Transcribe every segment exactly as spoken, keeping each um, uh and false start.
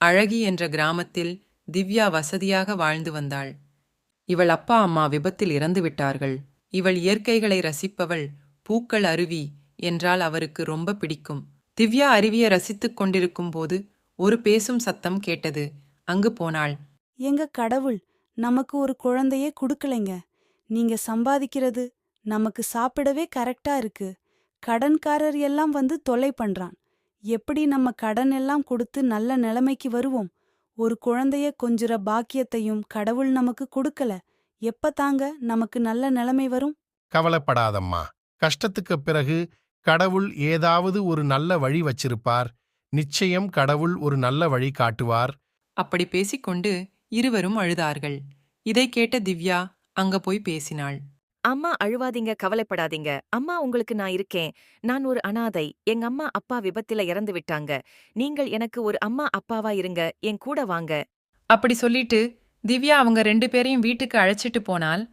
அழகி என்ற கிராமத்தில் திவ்யா வசதியாக வாழ்ந்து வந்தாள். இவள் அப்பா அம்மா விபத்தில் இறந்து விட்டார்கள். இவள் இயற்கைகளை ரசிப்பவள். பூக்கள், அருவி என்றால் அவருக்கு ரொம்ப பிடிக்கும். திவ்யா அருவியை ரசித்துக் கொண்டிருக்கும் போது ஒரு பேசும் சத்தம் கேட்டது. அங்கு போனாள். எங்க கடவுள் நமக்கு ஒரு குழந்தையே குடுக்கலைங்க. நீங்க சம்பாதிக்கிறது நமக்கு சாப்பிடவே கரெக்டா இருக்கு. கடன்காரர் எல்லாம் வந்து தொல்லை பண்றான். எப்படி நம்ம கடன் எல்லாம் கொடுத்து நல்ல நிலைமைக்கு வருவோம்? ஒரு குழந்தைய கொஞ்சுற பாக்கியத்தையும் கடவுள் நமக்கு கொடுக்கல. எப்ப தாங்க நமக்கு நல்ல நிலைமை வரும்? கவலைப்படாதம்மா. கஷ்டத்துக்குப் பிறகு கடவுள் ஏதாவது ஒரு நல்ல வழி வச்சிருப்பார். நிச்சயம் கடவுள் ஒரு நல்ல வழி காட்டுவார். அப்படி பேசிக்கொண்டு இருவரும் அழுதார்கள். இதை கேட்ட திவ்யா அங்க போய் பேசினாள். அம்மா அழுவாதீங்க, கவலைப்படாதீங்க. அம்மா உங்களுக்கு நான் இருக்கேன். நான் ஒரு அனாதை. எங்க அம்மா அப்பா விபத்துல இறந்து விட்டாங்க. நீங்கள் எனக்கு ஒரு அம்மா அப்பாவா இருங்க. என் கூட வாங்க. அப்படி சொல்லிட்டு திவ்யா அவங்க ரெண்டு பேரையும் வீட்டுக்கு அழைச்சிட்டு போனாள்.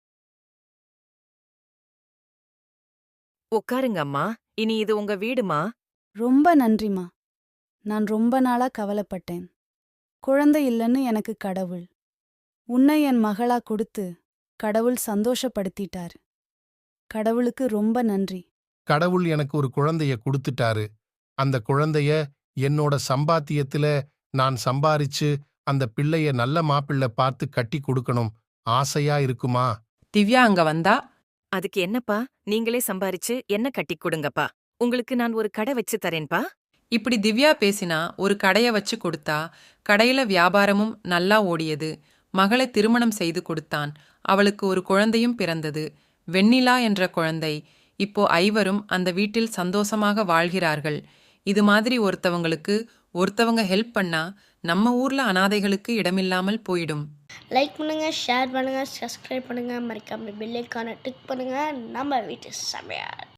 உட்காருங்க அம்மா. இனி இது உங்க வீடுமா? ரொம்ப நன்றிமா. நான் ரொம்ப நாளா கவலைப்பட்டேன். குழந்தை இல்லைன்னு எனக்கு கடவுள் உன்னை என் மகளா கொடுத்து கடவுள் சந்தோஷப்படுத்திட்டார். கடவுளுக்கு ரொம்ப நன்றி. கடவுள் எனக்கு ஒரு குழந்தைய கொடுத்துட்டாரு. அந்த குழந்தைய என்னோட சம்பாத்தியத்துல நான் சம்பாரிச்சு அந்த பிள்ளைய நல்ல மாப்பிள்ளை பார்த்து கட்டி கொடுக்கணும் ஆசையா இருக்குமா? திவ்யா அங்க வந்தா. அதுக்கு என்னப்பா? நீங்களே சம்பாரிச்சு என்ன கட்டிக் கொடுங்கப்பா. உங்களுக்கு நான் ஒரு கடை வச்சு தரேன்பா. இப்படி திவ்யா பேசினா ஒரு கடைய வச்சு கொடுத்தா. கடையில வியாபாரமும் நல்லா ஓடியது. மகளை திருமணம் செய்து கொடுத்தான். அவளுக்கு ஒரு குழந்தையும் பிறந்தது. வெண்ணிலா என்ற குழந்தை. இப்போ ஐவரும் அந்த வீட்டில் சந்தோஷமாக வாழ்கிறார்கள். இது மாதிரி ஒருத்தவங்களுக்கு ஒருத்தவங்க ஹெல்ப் பண்ணா நம்ம ஊர்ல அனாதைகளுக்கு இடமில்லாமல் போயிடும். லைக் பண்ணுங்க, ஷேர் பண்ணுங்க, சப்ஸ்கிரைப் பண்ணுங்க, மறக்காம பெல் ஐகானை டிக் பண்ணுங்க. நம்ம வீட்டு சமையல்.